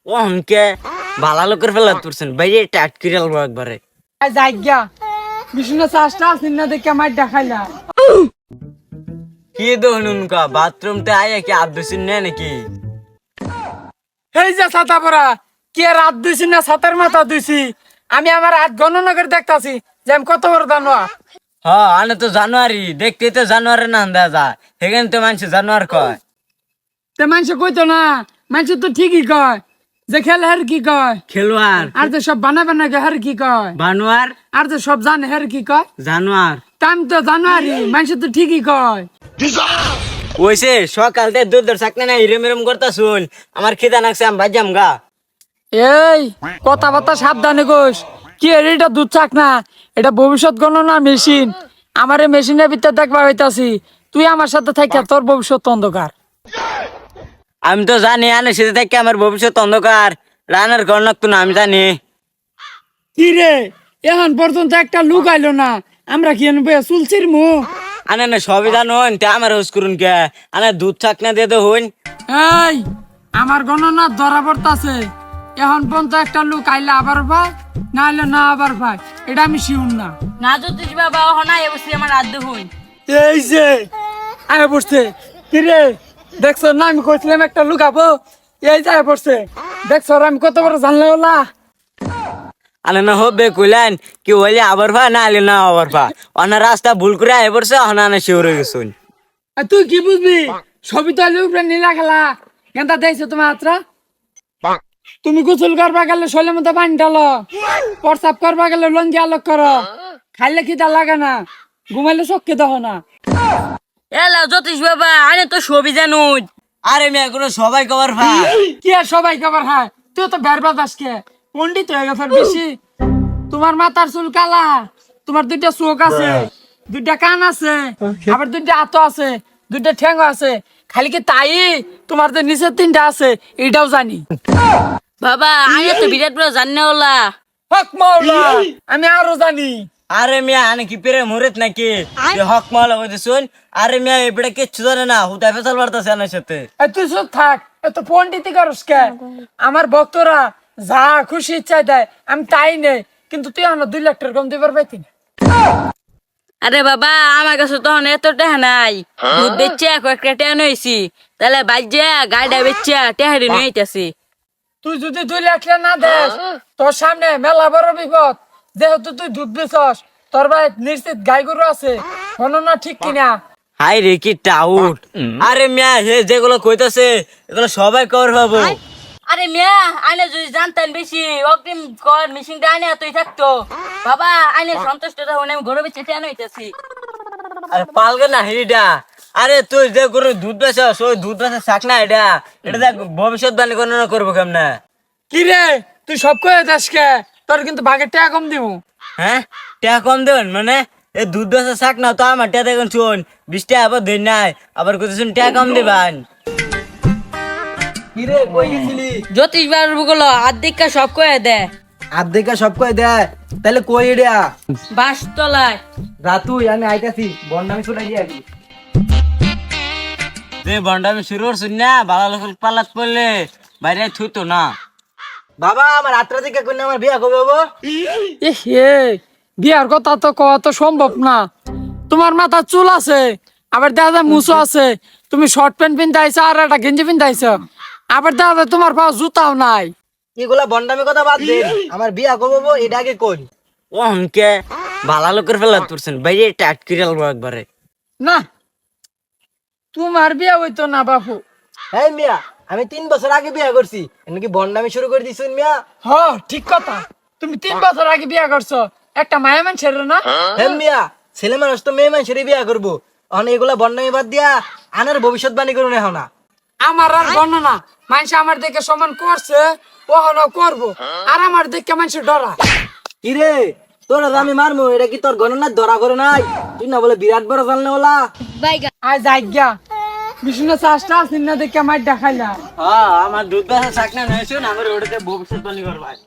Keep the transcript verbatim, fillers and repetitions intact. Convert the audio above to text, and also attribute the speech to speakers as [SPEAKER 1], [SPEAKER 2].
[SPEAKER 1] ও হনকে ভালো লোকের ফেলা তুলছেন বাইরে টাট করে আলবো একবারে।
[SPEAKER 2] জায়গা বিষ্ণু চাষটা আসেন না দেখে আমার দেখাইলা
[SPEAKER 1] কি দহনুন কা বাথরুমতে আয়া কি আদ দুসিন নে নাকি?
[SPEAKER 2] এই যে ছাতা পরা কি আর রাত দুইছি না ছাতার মাথা দুইছি। আমি আমার হাত গণনা করে দেখতাছি যে আমি কত বড় দানোয়া।
[SPEAKER 1] হ্যাঁ আনে তো জানুয়ারি দেখতে তো জানুয়ারি না আন্দা যা সেখানে তো মানুষ জানুয়ার কয়।
[SPEAKER 2] তে মানুষ কইতো না, মানুষ তো ঠিকই কয় যে খেলে হের কি কয়
[SPEAKER 1] খেলোয়াড়
[SPEAKER 2] আর যে সব বানা বানা গে হের কি কয়
[SPEAKER 1] বানোয়ার
[SPEAKER 2] আর যে সব জানে হের কি কয়।
[SPEAKER 1] জানোয়ার
[SPEAKER 2] টাইম তো জানুয়ারি মানুষ তো ঠিকই কয়।
[SPEAKER 1] ওইসে সকাল থেকে দূর দূর চাকনা না হিরম হিরম করতা শুন আমার খিদা নাকছে আমি বাজাম গা।
[SPEAKER 2] এই কথাবার্তা সাবধানে গোস কি এর এটা দুধ চাক না, এটা ভবিষ্যৎ গণনা মেশিন। আমার এই মেশিনের ভিতরে দেখবা হইতাছি তুই আমার সাথে থাকিয়া তোর ভবিষ্যৎ অন্ধকার।
[SPEAKER 1] আমি তো জানি আনে সেটা থেকে আমার ভবিষ্যৎ অন্ধকার রানার ঘর নাকতো না আমি জানি।
[SPEAKER 2] কি রে এখন পর্যন্ত একটা লুক আইলো না, আমরা কি আনবো চুলছির মু।
[SPEAKER 1] আনে না সবই জানুন তে আমার হোস করুন কে আনে দুধ চাকনা দিয়ে তো হইন।
[SPEAKER 2] এই আমার গণনা ধরা পড়তাছে, এখন পর্যন্ত একটা লুক আইলে আবার ভাই না আইলে না আবার ভাই, এটা আমি শিউন না।
[SPEAKER 3] না জ্যোতিষ বাবা হনা এবছর আমার রাত হইন।
[SPEAKER 2] এই যে আয় পড়ছে কি রে দেখছো না আমি কইছিলাম একটা লুকাবো, এই যায় পড়ছে দেখছো আমি কত বড় জানলে ওলা।
[SPEAKER 1] আনে না হবে কইলেন কি হইলে আবার ভা না আইলে না আবার ভা অনা রাস্তা ভুল করে আয় পড়ছে অনা না শিওর হয়ে গেছুন।
[SPEAKER 2] আর তুই কি বুঝবি সবই তো আলু উপরে নীলা খেলা গেন্দা দেখছো তোমার হাতরা। তুমি গোসল করবা গেলে শৈলের মধ্যে পানি ঢালো, প্রসাব করবা গেলে লঞ্জি আলোক করো, খাইলে খিদা লাগে না, ঘুমাইলে চোখকে দেখো না।
[SPEAKER 3] এলা জ্যোতিষ বাবা আনে তো সবই জানুন।
[SPEAKER 1] আরে মেয়ে কোনো সবাই কবার ভা
[SPEAKER 2] কি আর সবাই খাবার খায়, তুই তো বের বাতাসকে পন্ডিত হয়ে গেছে বেশি। তোমার মাথার চুল কালা, তোমার দুইটা চোখ আছে, দুইটা কান আছে, আবার দুইটা হাত আছে, দুইটা ঠ্যাং আছে, খালি কি তাই তোমার যে নিচের তিনটা আছে এটাও জানি।
[SPEAKER 3] বাবা আনে তো বিরাট বড় জানে ওলা।
[SPEAKER 2] হক মাওলা আমি আরো জানি।
[SPEAKER 1] আরে মিয়া আনে কি পেরে মরেত নাকি যে হক মালা কইতে শুন। আরে মিয়া এবড়ে কিচ্ছু জানে না হুদা ফেসাল বাড়তাছে আনার সাথে।
[SPEAKER 2] এই তুই চুপ থাক, এত পন্ডিতি করস কে? আমার ভক্তরা যা খুশি ইচ্ছা দেয় আমি তাই নেই, কিন্তু তুই আমার দুই লাখ টাকা কম দিবার পাইতি না।
[SPEAKER 3] আরে বাবা আমার কাছে তখন এত টাকা নাই, দুধ বেচে কয়েকটা টাকা নইছি, তাহলে বাজ্যা গাড়িটা বেচা টাহারি নইতাছি।
[SPEAKER 2] তুই যদি দুই লাখ টাকা না দেস তোর সামনে মেলা বড় বিপদ। যেহেতু তুই দুধ বেচস তোর ভাই নিশ্চিত গাই গরু আছে, গণনা ঠিক কিনা?
[SPEAKER 1] হাই রে কি টাউট। আরে মিয়া হে যেগুলো কইতাছে এগুলো সবাই কর পাবো।
[SPEAKER 3] আরে মিয়া আনে যদি জানতেন বেশি অগ্রিম কর মেশিনটা আনে তুই থাকতো। বাবা আনে সন্তুষ্ট হন আমি ঘরে বেচে টাকা নইতাছি।
[SPEAKER 1] আরে পালগে না হিডা। আরে তুই যে গরু দুধ বেচস ওই দুধ বেচা শাক না এটা এটা দেখ ভবিষ্যৎবাণী গণনা করবো কেমনে।
[SPEAKER 2] কি রে তুই সব কয়ে দেস কে? তোর কিন্তু ভাগের টাকা কম দিব।
[SPEAKER 1] হ্যাঁ টাকা কম দেবেন মানে এই দুধ বেচা শাক না তো আমার টাকা দেখুন শুন বিশ টাকা আবার ধরে নাই আবার কত শুন টাকা কম দেবেন।
[SPEAKER 4] কিরে কই গেছিলি?
[SPEAKER 3] জ্যোতিষ বাবু গুলো আর্ধেকটা সব কয়ে দে।
[SPEAKER 4] আর্ধেকা সব কই দেয় তাহলে কই এডা
[SPEAKER 3] বাস তলায়
[SPEAKER 4] রাতুই আমি আইতাছি বন্ডামি শুনাই দিয়ে আগে
[SPEAKER 1] যে বন্ডামি শুরু করছুন না ভালো লোক পাল্লাত পড়লে বাইরে থুইতো না।
[SPEAKER 4] বাবা আমার রাত্রে দিকে কই না আমার বিয়া কবে হবো?
[SPEAKER 2] এ হে বিয়ার কথা তো কওয়া তো সম্ভব না। তোমার মাথা চুল আছে, আবার দেখা যায় মুছো আছে, তুমি শর্ট প্যান্ট পিন্ধাইছো আর একটা গেঞ্জি পিন্ধাইছো, আবার দেখা যায় তোমার পাও জুতাও নাই।
[SPEAKER 4] এগুলা বন্ডামি কথা বাদ দে, আমার বিয়া কবে হবো এটা আগে কই।
[SPEAKER 1] ও হনকে ভালো লোকের ফেলা তুলছেন বাইরে টাট করে আলবো একবারে।
[SPEAKER 2] না তোমার বিয়া হইতো না বাপু।
[SPEAKER 4] এই মিয়া আমি তিন বছর আগে বিয়া করছি, নাকি বন্ডামি শুরু করে দিছুন মিয়া?
[SPEAKER 2] হ ঠিক কথা, তুমি তিন বছর আগে বিয়া করছো, একটা মায়া মানুষের না।
[SPEAKER 4] হ্যাঁ মিয়া ছেলে মানুষ তো মেয়ে মানুষেরই বিয়া করবো, এখন এগুলা বন্ডামি বাদ দিয়া আনার ভবিষ্যৎবাণী করুন এখন না।
[SPEAKER 2] আমার আর গণনা মানুষ আমার দেখে সমান করছে ওখানে করবো, আর আমার দেখে মানুষ ডরা।
[SPEAKER 4] কিরে তোরা আমি মারমু এটা কি তোর গণনার ধরা করে নাই? তুই না বলে বিরাট বড় জানলে ওলা।
[SPEAKER 2] আজ আজ্ঞা বিষ্ণু চাষটা আসেন না দেখে আমার দেখাইলা।
[SPEAKER 1] হ্যাঁ আমার দুধ বেচা শাক না নয় শুন আমার ওটাতে ভবিষ্যৎবাণী করবা।